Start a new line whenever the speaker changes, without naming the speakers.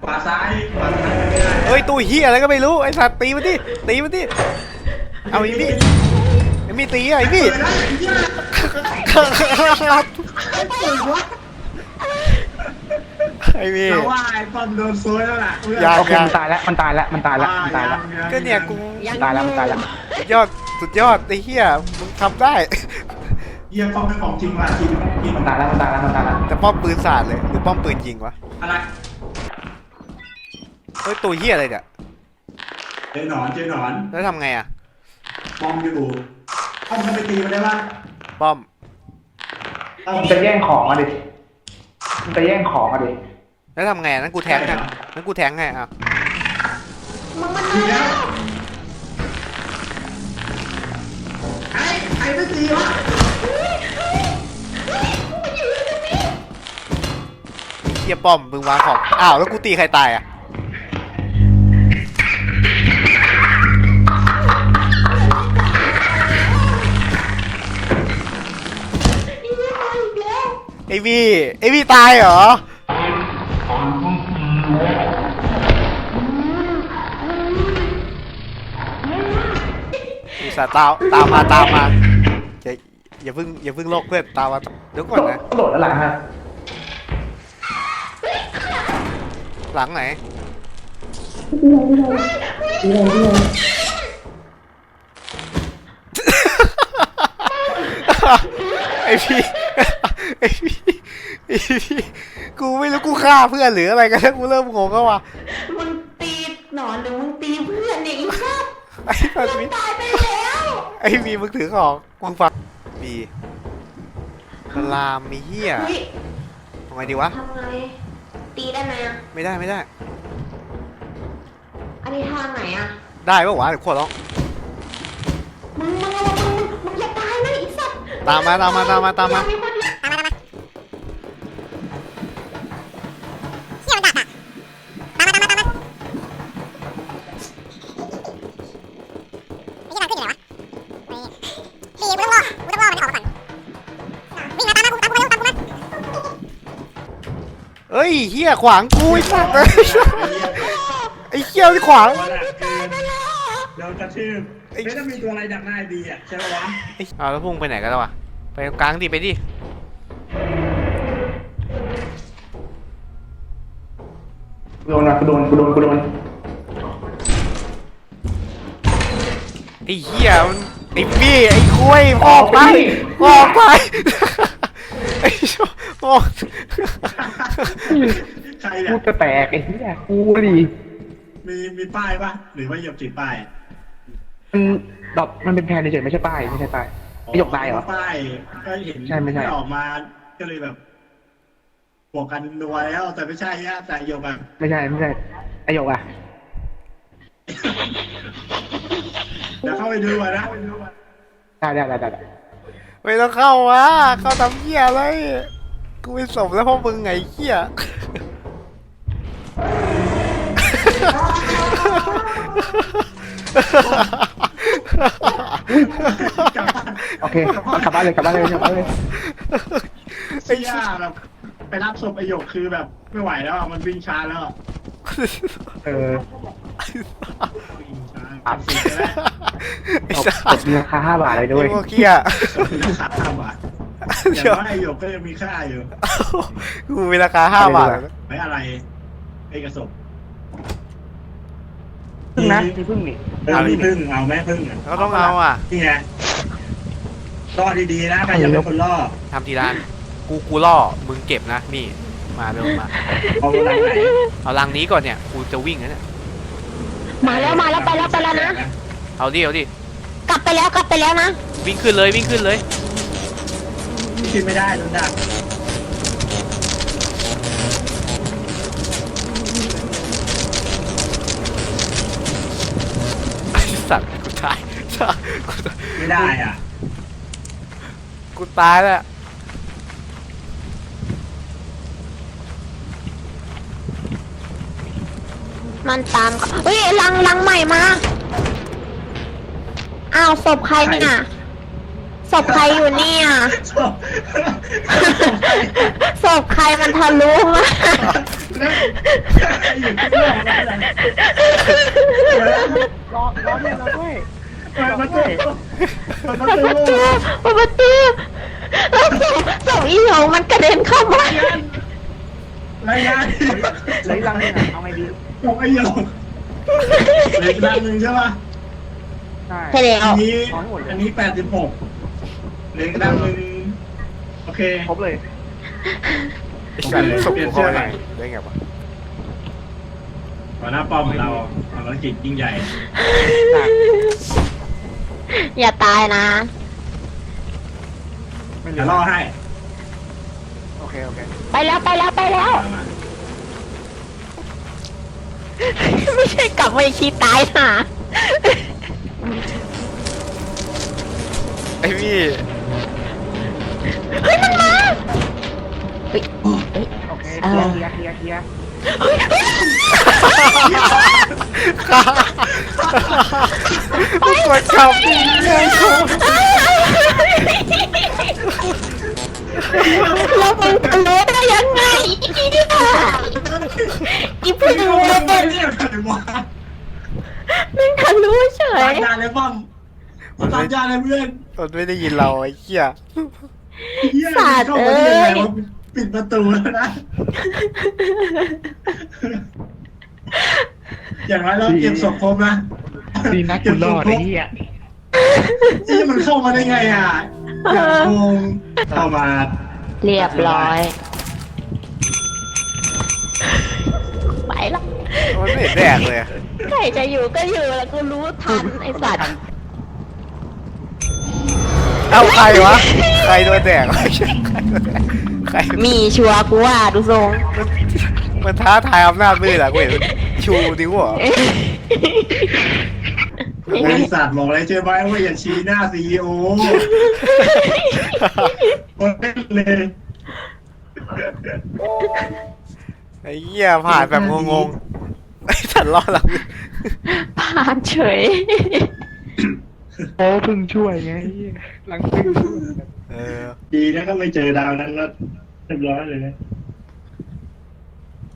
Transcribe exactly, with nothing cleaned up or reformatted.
ขวาซ้ายขวาซ้ายไม่ได้
เฮ้ยตัวเฮียอะไรก็ไม่รู้ไอ้สัตว์ตีมันดิตีมันดิเอาไอ้พี่ไอ้พี่ตีไอ้พี่ไอ้พี่
เราว่าไอ้ปอมโดนโซยแล้วล่ะ
ยา
โอเคมันตายแล้วมันตายแล้วมันตายแล้วมันตายแล้ว
ก็เนี่ยกู
ตายแล้วมันตายแล้ว
สุดยอดสุดยอดไอ้เฮียมึงทำได้
เยี่ยมป้อมเป็นของจริงว่ะจริงจริง
มันตายแล้วมันตายแล้วมันตายแล้ว
แต่ป้อมปืนสาดเลยหรือป้อมปืนยิงวะ
อะไร
เฮ้ยตัวเฮียอะไรเนี่ย
เจอหนอนเจอหนอน
แล้วทำไงอะ
ป้อมอยู่ป้อมจะไปตีมันได้ปะ
ป้อม
มันจะแย่งของอ่ะดิมันจะแย่งของอ่ะดิ
แล้วทำไงอะนั่นกูแทงให้นั่นกูแทงให้อ่ะ
มึงมัน
ตี
มา
แล้
แล้ว ว
ไอ้ไอ้ไม่ตีวะ
เฮียป้อมมึงวางของอ้าวแล้วกูตีใครตายอะไอวี่ไอวี่ตายเหรออุตส่าห์ตามตามมาตามมาอย่าอย่าเพิ่งอย่าเพิ่งโลกเพื่อนตามมาเดี๋ยวก่อนนะ
โดดแล้วหลังฮะ
หลังไหนไอพี่ไอพี่ไอพี่กูไม่รู้กูฆ่าเพื่อนหรืออะไรกันแล้วกูเริ่มงงแล้วว่ะ
มึงตีหนอนหรือมึงตีเพื่อนเนี่ยอีสัตว์
ไอ้แบบ
มึ
นี้
งตายไปแล้ว
ไอ้มีมึงถือของมึงฟังบีมันลามมีเหี้ย
เฮ้ย
ทำไงดีวะ
ทำไงตีได้ไหมอ่ะ
ไม่ได้ไม่ได้
อันนี้ทางไหนอ่ะ
ได้ปะวะเดี๋ยวขวดร้อง
มึงมึงระวังมึงมึงอย่าตายนะอีสัตว์
ตามมาตามมาตามมาตามมา
มีคนเดียว
ตามมาตามมาเชี่ยมันดักอ่ะตามมาตามมาตามมาไอ้ยี่มันขึ้นอยู่ไหนวะนี่ดีกูต้องรอกูต้องรอมันออกมาก่อนวิ่งมาตามมากูตามกูมาเร็วตามกูมา
เอ้ยเหี้ยขวางกูไอ้สัตว์เลยไอ้เหี้ยที่ขวาง
โดนอะคือโดนกระทืบไม่ต้องมีตัวอะไรดักหน้าดีอ่ะใช่ไหมวะ
ไอ้อ้าวแล้วพุ่งไปไหนกันแล้ววะไปตรงกลางดิไปดิ
โดนอ่ะกูโดนกูโดนกูโดน
ไอ้เหี้ยมันไอ้บี้ไอ้คุยออกไปออกไปไอ้ชออก
ใครเนี่
กู
ย
จะแตกไอ้เหี้ยกูดิ
มีมีป้ายปะหรือว่าเหยียบติดป้าย
มันดอกมันเป็นแพนเฉยๆไม่ใช่ป้ายไม่ใช่ป้ายไม่หยกตายเหรอ
ป้ายก็เห็น
ใช่ไม่ใช่
ออกมาก็เลยแบบบวกกันนัวแล้วแต่ไม่ใช่ฮะแต่โยกแบบ
ไม่ใช่ไม่ใช่ไอหยกอ่ะ
เดี๋ยวเข้าไปดูอ่ะนะ
ได้ได้ได้ได้
ไม่ต้องเข้าวะเข้าทำเหี้ยอะไรกูไม่สมแล้วพวกมึงไงเหี้ย
โอเคกลับบ้านเลยกลับบ้านเลยกลับบ้านเลย
ไอ้ย่าแบบไปรับศพไอโยกคือแบบไม่ไหวแล้วอ่ะมันวิ่งช้าแล้วอ่ะ
เออ
วิ่งช้าอัดสิบแล้ว
ไอ้
ตบ
สั
ต
ส
บราคาห้าบาทเลยด้วย
ไอ้พวกเหี้ย
ขาดห้าบาทแต่
เดี๋ยว
ว่าไอโยกก็ยังมีค่าอยู่
กูมีราคาห้าบาท
ไม่อะไรไอกระสบ
พึ่งนะมีพึ่งนี่
เออมีพึ่งเอาไหมพึ่งอ่ะ
เราต้องเอาอ่ะ
นี่ไงล่อดีๆนะใครจะเป็นคนล่อ
ทำทีละกูกูล่อมึงเก็บนะนี่มาเร็วมา
เอาหลังไหน
เอาลังนี้ก่อนเนี่ยกูจะวิ่งนะเนี่ย
มาแล้วมาแล้วไปแล้วไปแล้วนะ
เอาดิเอาดิ
กลับไปแล้วกลับไปแล้วนะ
วิ่งขึ้นเลยวิ่งขึ้นเลย
ขึ้นไม่ได้โดนดัก
ไอ้สัตว์กูตายกูตาย
ไม่ได้อ่ะ
กูตายแล้ว
มันตามเขาเฮ้ยลังลังใหม่มาอ้าวศพใครเนี่ยศพใครอยู่เนี่ย
ศพ
ศพใครมันทะลุมา
อยู่ที่โลกนั่นแหละ
รอรอด้วยรอด้วย
เปิดประตูเปิดประ
เปิด
ตู
ประตูเปิดประตูแล้วศพศพอีหยงมันกระเด็นเข้ามาร
ายงาน
เหลยลังหนึงอะเอาไงดี
ศพไอ้หยกเหล็กดังหนึ่งใช่ป่ะ
ใช่
ใช่แล้ว
อันนี้อันนี้แปดสิบหกเหล็กดังหนึ่งโอเค
ครบเลย
ไอ้สัตว์ส่งกูเข้าไปไหนได้ไงวะ
หัวหน้าป้อมของเราภารกิจยิ่งใหญ่
อย่าตายนะ
ไม่เหลื
จะ
อ
ล่อให้
โอเคโอเค
ไปแล้วไปแล้วไปแล้ว
มา
ไม่ใช่กลับมาอีกทีตายห่า
ไอ้พี่
เฮ้ยมันมาเฮ้ย
โอเคเคลียร์เคลียร์เคลียร์เคลียร์
กดขับดิเฮ้ยเขา
แล้วมึงทะลุได้ยังไงอีเนี่ยอีเพื่อน
ไม่เรียกอะไรวะ
มึงทะลุเฉ
ตาย มยาเลยป้อมตามยาเลยเพื่อน
มันไม่ได้ยินเราไอ้เหี้ย
เฮียเข้ามาได้ยังไงวะปิดประตูแล้วนะ อย่างไรเราเก็บศพครบนะ
ดีนะกูรอดไอ้เหี้ย
นี่มันเข้ามาได้ไงอ่ะอย่างงงเข้ามา
เรียบร้อย ไปละ
มันไม่เห็นแดกเลยอะ
ใครจะอยู่ก็อยู่แล้วกูรู้ทันไอสัตว์
เอ้าใครวะใครโดนแดกวะใคร
มีชัวร์กูว่าดูทรง
มันมันท้าทายอำนาจมืดอะกูเห็นมันชูนิ้วเหรอ
บริษัทบอกเลยใช่ไหมว่าอย่าชี้หน้าซีอีโอคนเล่นเลย
ไอ้เหี้ยผ่านแบบงงๆไอ้สัตว์รอดหลัง
ผ่านเฉย
โอ้เพิ่งช่วยไงไอ้เหี้ยหลังเพิ่งช่วย
เออ
ดีนะก็ไม่เจอดาวนั้นแล้วเรียบร้อยเลยนะ